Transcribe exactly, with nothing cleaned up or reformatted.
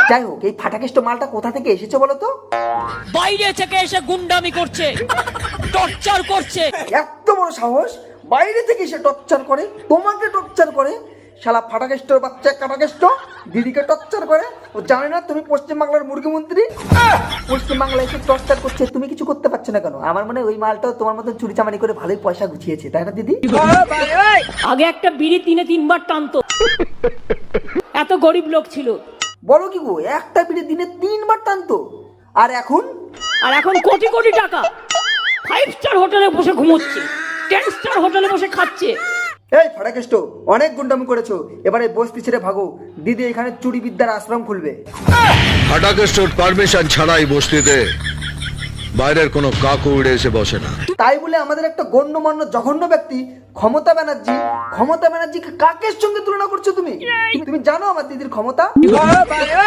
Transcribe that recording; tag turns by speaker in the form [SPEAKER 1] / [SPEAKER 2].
[SPEAKER 1] যাই হোক, এই ফাটাকেষ্ট মালটা কোথা থেকে এসেছে বলো তো?
[SPEAKER 2] বাইরে থেকে এসে গুন্ডামি করছে, টর্চার করছে।
[SPEAKER 1] এত বড় সাহস, বাইরে থেকে এসে টর্চার করে, তোমাকে টর্চার করে। শালা ফাটাকেষ্টর বাচ্চা কাটাকেষ্ট দিদিকে টর্চার করে। ও জানে না তুমি পশ্চিমবাংলার মুখ্যমন্ত্রী? পশ্চিমবাংলায় এসে টর্চার করছে, তুমি কিছু করতে পারছো না কেন? আমার মনে হয় ওই মালটাও তোমার মতো চুরি চামারি করে ভালোই পয়সা গুছিয়েছে, তাই না দিদি?
[SPEAKER 2] আগে একটা বিড়ি তিনে তিনবার টানতো, এত গরিব লোক ছিল।
[SPEAKER 1] বলো কি গো, একটা বিড়ি দিনে তিনবার টানতো? আর এখন?
[SPEAKER 2] আর এখন কোটি কোটি টাকা, ফাইভ স্টার হোটেলে বসে ঘুমোচ্ছে, টেন স্টার হোটেলে বসে খাচ্ছে।
[SPEAKER 1] এই ফাটাকেষ্ট, অনেক গুন্ডামি করেছো, এবারে বস্তি ছেড়ে ভাগো। দিদি এখানে চুরি বিদ্যার আশ্রম খুলবে।
[SPEAKER 3] ফাটাকেস্টোর পারমিশন ছাড়াই বস্তিতে বাইরের কোনো কাকু উড়ে এসে বসে না।
[SPEAKER 1] তাই বলে আমাদের একটা গণ্যমান্য জঘন্য ব্যক্তি ক্ষমতা ব্যানার্জি, ক্ষমতা ব্যানার্জিকে কাকের সঙ্গে তুলনা করছো তুমি? তুমি জানো আমার দিদির ক্ষমতা?